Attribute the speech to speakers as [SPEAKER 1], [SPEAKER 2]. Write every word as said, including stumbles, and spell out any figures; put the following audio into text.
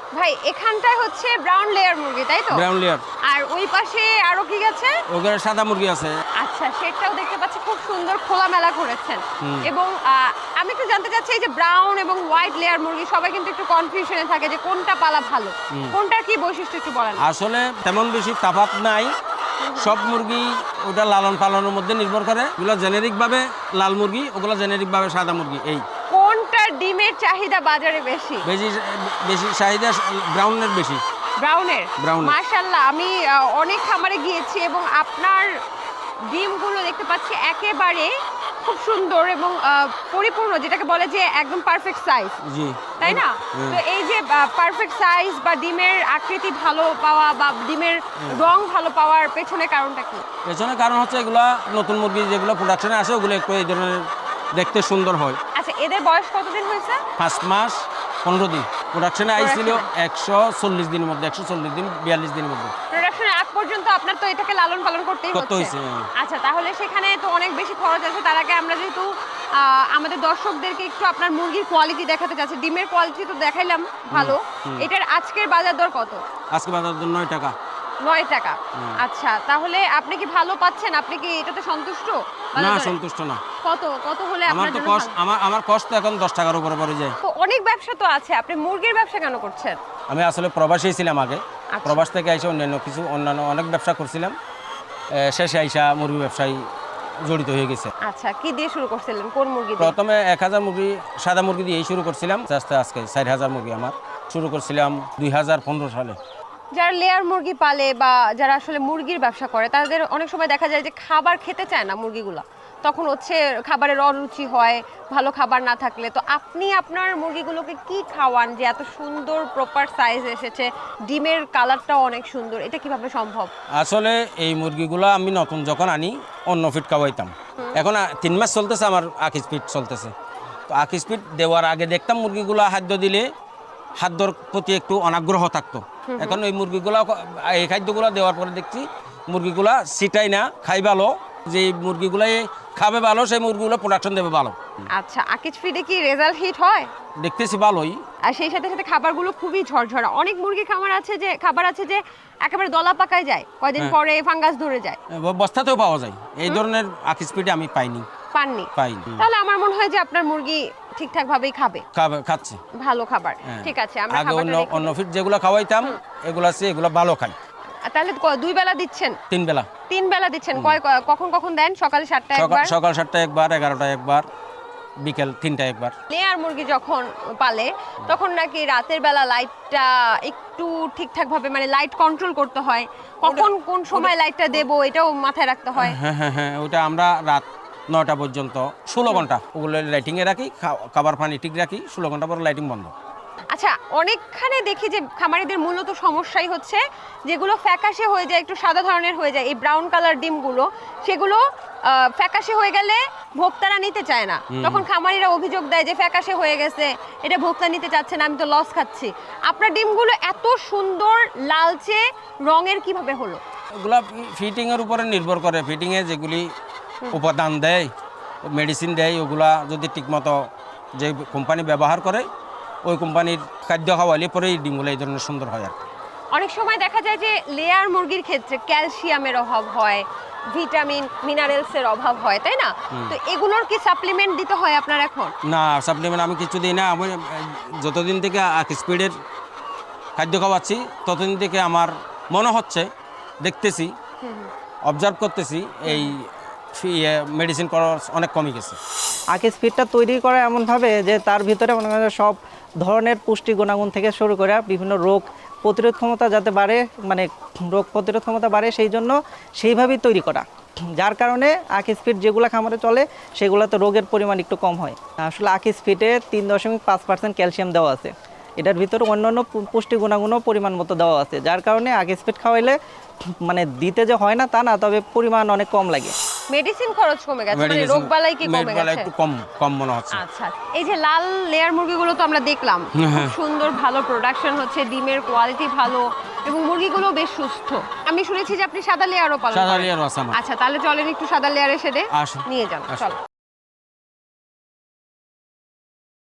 [SPEAKER 1] ভাই এখানটায় হচ্ছে ব্রাউন লেয়ার মুরগি তাই তো?
[SPEAKER 2] Brown layer.
[SPEAKER 1] আর ওই পাশে আরো কি আছে?
[SPEAKER 2] ওখানে সাদা মুরগি আছে।
[SPEAKER 1] আচ্ছা, সেটাও দেখতে পাচ্ছি খুব সুন্দর খোলামেলা করেছেন। এবং আহ, আমি একটু জানতে চাচ্ছি এই যে ব্রাউন এবং হোয়াইট লেয়ার মুরগি সবাই কিন্তু একটু কনফিউশনে থাকে যে কোনটা পালা ভালো, কোনটার কি বৈশিষ্ট্য একটু বলেন।
[SPEAKER 2] আসলে তেমন বেশি তফাৎ নাই, সব মুরগি ওটা লালন পালনের মধ্যে নির্ভর করে। ওগুলো জেনেরিক ভাবে লাল মুরগি, ওগুলো জেনেরিক ভাবে সাদা মুরগি। এই
[SPEAKER 1] কোনটার ডিমের চাহিদা বাজারে বেশি?
[SPEAKER 2] বেশি বেশি চাহিদা ব্রাউনের বেশি।
[SPEAKER 1] ব্রাউনের?
[SPEAKER 2] ব্রাউন।
[SPEAKER 1] মাশাআল্লাহ, আমি আহ, অনেক খামারে গিয়েছি এবং আপনার ডিমগুলো দেখতে পাচ্ছি একেবারে খুব সুন্দর এবং আহ, পরিপূর্ণ, যেটাকে বলে যে একদম পারফেক্ট সাইজ।
[SPEAKER 2] জি।
[SPEAKER 1] তাই না? তো এই যে পারফেক্ট সাইজ বা ডিমের আকৃতি ভালো পাওয়া বা ডিমের রং ভালো পাওয়ার পেছনে কারণটা কি?
[SPEAKER 2] পেছনে কারণ হচ্ছে এগুলা নতুন মুরগি যেগুলো প্রোডাকশনে আসে ওগুলো একটু এই ধরনের দেখতে সুন্দর হয়।
[SPEAKER 1] আচ্ছা, এদের বয়স কতদিন হয়েছে?
[SPEAKER 2] পাঁচ মাস পনেরো দিন। প্রোডাকশনে আইছিল একশো চল্লিশ দিনের মধ্যে, একশো চল্লিশ দিন বিয়াল্লিশ দিনের মধ্যে।
[SPEAKER 1] প্রোডাকশনের আগ পর্যন্ত আপনার তো এটাকে লালন পালন করতেই
[SPEAKER 2] করতে
[SPEAKER 1] হচ্ছে।
[SPEAKER 2] হয়েছে।
[SPEAKER 1] আচ্ছা, তাহলে সেখানে তো অনেক বেশি খরচ আছে। তার আগে আমরা যেহেতু আহ, আমাদের দর্শকদেরকে একটু আপনার মুরগির কোয়ালিটি দেখাতে চাচ্ছি, ডিমের কোয়ালিটি তো দেখাইলাম ভালো, এটার আজকের বাজার দর কত?
[SPEAKER 2] আজকে বাজার দর নয় টাকা।
[SPEAKER 1] নয় টাকা। আচ্ছা, তাহলে আপনি কি ভালো পাচ্ছেন? আপনি কি এটাতে সন্তুষ্ট?
[SPEAKER 2] না,
[SPEAKER 1] বাজার দরে?
[SPEAKER 2] সন্তুষ্ট না।
[SPEAKER 1] কত কত হলে
[SPEAKER 2] আমার
[SPEAKER 1] আপনার
[SPEAKER 2] তো
[SPEAKER 1] জন্য
[SPEAKER 2] কষ্ট
[SPEAKER 1] ভালো?
[SPEAKER 2] আমার আমার কষ্ট এখন দশ টাকার উপরে পড়ে যায়।
[SPEAKER 1] তো অনেক ব্যবসা তো আছে, আপনি মুরগির ব্যবসা কেন করছেন?
[SPEAKER 2] আমি আসলে প্রবাসী ছিলাম আগে।
[SPEAKER 1] আচ্ছা।
[SPEAKER 2] প্রবাস থেকে আইসা অন্যান্য কিছু অন্যান্য অনেক ব্যবসা করছিলাম। এ, শেষে আইসা মুরগি ব্যবসায় জড়িত হয়ে গেছে।
[SPEAKER 1] আচ্ছা, কি দিয়ে শুরু করছিলেন? কোন মুরগি দিয়ে?
[SPEAKER 2] প্রথমে এক হাজার মুরগি সাদা মুরগি দিয়েই শুরু করছিলাম। আস্তে আস্তে আজকে চার হাজার মুরগি আমার শুরু করছিলাম দুই হাজার পনেরো সালে।
[SPEAKER 1] যারা লেয়ার মুরগি পালে বা যারা আসলে মুরগির ব্যবসা করে তাদের অনেক সময় দেখা যায় যে খাবার খেতে চায় না মুরগিগুলা, তখন হচ্ছে খাবারের অরুচি হয় ভালো খাবার না থাকলে। তো আপনি আপনার মুরগিগুলোকে কি খাওয়ান যে এত সুন্দর প্রপার সাইজ এসেছে, ডিমের কালারটাও অনেক সুন্দর, এটা কিভাবে সম্ভব?
[SPEAKER 2] আসলে এই মুরগিগুলো আমি নতুন যখন আনি অন্য ফিট খাওয়াইতাম। এখন আ- তিন মাস চলতেছে আমার আকিস ফিট চলতেছে। তো আকিস ফিট দেওয়ার আগে দেখতাম মুরগিগুলো খাদ্য দিলে খাদ্যর প্রতি একটু অনাগ্রহ থাকতো। এখন এই মুরগিগুলো এই খাদ্যগুলো দেওয়ার পরে দেখছি মুরগিগুলা সিটাই না, খাই ভালো। যে মুরগিগুলাই খাবে ভালো সেই মুরগিগুলো প্রোডাকশন দেবে ভালো।
[SPEAKER 1] আচ্ছা, আকিজ ফিডে কি রেজাল্ট হিট হয়?
[SPEAKER 2] দেখতেছি ভালোই।
[SPEAKER 1] আর সেই সাথে সাথে খাবারগুলো খুবই ঝরঝরা। অনেক মুরগি খামার আছে যে খাবার আছে যে একেবারে দলা পাকায় যায়, কয়দিন
[SPEAKER 2] হ্যাঁ।
[SPEAKER 1] পরে ফাঙ্গাস ধরে যায়।
[SPEAKER 2] বস্তাতেও পাওয়া যায়, এই ধরনের আকিস ফিটে আমি পাইনি।
[SPEAKER 1] পাননি?
[SPEAKER 2] পাইনি।
[SPEAKER 1] তাহলে আমার মনে হয় যে আপনার মুরগি ঠিকঠাক ভাবেই খাবে,
[SPEAKER 2] খাবে- খাচ্ছে
[SPEAKER 1] ভালো খাবার।
[SPEAKER 2] হ্যাঁ।
[SPEAKER 1] ঠিক আছে, আমরা
[SPEAKER 2] আগে অন্য
[SPEAKER 1] খাবারটা রেখে
[SPEAKER 2] অন্য
[SPEAKER 1] দিই।
[SPEAKER 2] ফিট যেগুলো খাওয়াইতাম এগুলো আছে এগুলো ভালো খাই।
[SPEAKER 1] আর তাহলে ক- দুই বেলা দিচ্ছেন?
[SPEAKER 2] তিন বেলা।
[SPEAKER 1] তিন বেলা দিচ্ছেন? কয় ক- কখন কখন দেন? সকালে সাতটা
[SPEAKER 2] সকাল
[SPEAKER 1] একবার,
[SPEAKER 2] সকাল সাতটায় একবার, এগারোটায় একবার, বিকেল তিনটায় একবার।
[SPEAKER 1] লেয়ার মুরগি যখন পালে তখন নাকি রাতের বেলা লাইটটা একটু ঠিকঠাক ভাবে মানে লাইট কন্ট্রোল করতে হয়, কখন কোন সময় লাইটটা দেবো এটাও মাথায় রাখতে হয়।
[SPEAKER 2] হ্যাঁ হ্যাঁ হ্যাঁ ওটা আমরা রাত নয়টা পর্যন্ত ষোলো ঘন্টা ওগুলো লাইটিংয়ে রাখি, খা- খাবার পানি ঠিক রাখি, ষোলো ঘন্টা পরে লাইটিং বন্ধ।
[SPEAKER 1] আচ্ছা, অনেকখানে দেখি যে খামারিদের মূলত সমস্যাই হচ্ছে যেগুলো ফ্যাকাশে হয়ে যায়, একটু সাদা ধরনের হয়ে যায়, এই ব্রাউন কালার ডিমগুলো, সেগুলো আহ, ফ্যাকাশে হয়ে গেলে ভোক্তারা নিতে চায় না। তখন খামারিরা অভিযোগ দেয় যে ফ্যাকাশে হয়ে গেছে, এটা ভোক্তা নিতে চাচ্ছে না, আমি তো লস খাচ্ছি। আপনার ডিমগুলো এত সুন্দর লালচে রঙের কিভাবে হলো?
[SPEAKER 2] ওগুলা ফিটিংয়ের উপরে নির্ভর করে। ফিটিংয়ে যেগুলি উপাদান দেয়, মেডিসিন দেয়, ওগুলা যদি ঠিকমতো যে কোম্পানি ব্যবহার করে ওই কোম্পানির খাদ্য খাওয়ালে পরেই ডিমগুলো এই ধরনের সুন্দর হয় আর কি।
[SPEAKER 1] অনেক সময় দেখা যায় যে লেয়ার মুরগির ক্ষেত্রে ক্যালসিয়ামের অভাব হয়, ভিটামিন মিনারেলসের অভাব হয়, তাই না? তো এগুলোর কি সাপ্লিমেন্ট দিতে হয় আপনার এখন?
[SPEAKER 2] না, সাপ্লিমেন্ট আমি কিছু দিই না। আমি আহ, যতদিন থেকে স্পিডের খাদ্য খাওয়াচ্ছি ততদিন থেকে আমার মনে হচ্ছে, দেখতেছি, অবজার্ভ করতেছি এই মেডিসিন খরচ অনেক কমে গেছে।
[SPEAKER 3] আকিস ফিডটা তৈরি করা এমনভাবে যে তার ভিতরে মনে করেন সব ধরনের পুষ্টি গুণাগুণ থেকে শুরু করে বিভিন্ন রোগ প্রতিরোধ ক্ষমতা যাতে বাড়ে, মানে রোগ প্রতিরোধ ক্ষমতা বাড়ে সেই জন্য সেইভাবেই তৈরি করা, যার কারণে আকিস ফিড যেগুলো খামারে চলে সেগুলোতে রোগের পরিমাণ একটু কম হয়। আসলে আকিস ফিডে তিন দশমিক পাঁচ পার্সেন্ট ক্যালসিয়াম দেওয়া আছে, এটার ভিতরে অন্যান্য পু- পুষ্টি গুণাগুণও পরিমাণ মতো দেওয়া আছে, যার কারণে আকিস ফিড খাওয়াইলে মানে দিতে যে হয় না তা না, তবে পরিমাণ অনেক কম লাগে।
[SPEAKER 1] মেডিসিন খরচ কমে গেছে, মানে
[SPEAKER 2] Medicine-
[SPEAKER 1] রোগবালাই কি কমে
[SPEAKER 2] মেডবালাই
[SPEAKER 1] গেছে?
[SPEAKER 2] একটু কম কম মনে হচ্ছে।
[SPEAKER 1] আচ্ছা, এই যে লাল লেয়ার মুরগিগুলো তো আমরা দেখলাম, খুব সুন্দর ভালো প্রোডাকশন হচ্ছে, ডিমের কোয়ালিটি ভালো এবং মুরগিগুলো বেশ সুস্থ। আমি শুনেছি যে আপনি সাদা লেয়ারও পালন
[SPEAKER 2] সাদা
[SPEAKER 1] করেন।
[SPEAKER 2] লেয়ারও আছে আমার।
[SPEAKER 1] আচ্ছা, তাহলে চলেন একটু সাদা লেয়ারের সাথে
[SPEAKER 2] আসুন।
[SPEAKER 1] নিয়ে যান,
[SPEAKER 2] আসুন।
[SPEAKER 1] চলো।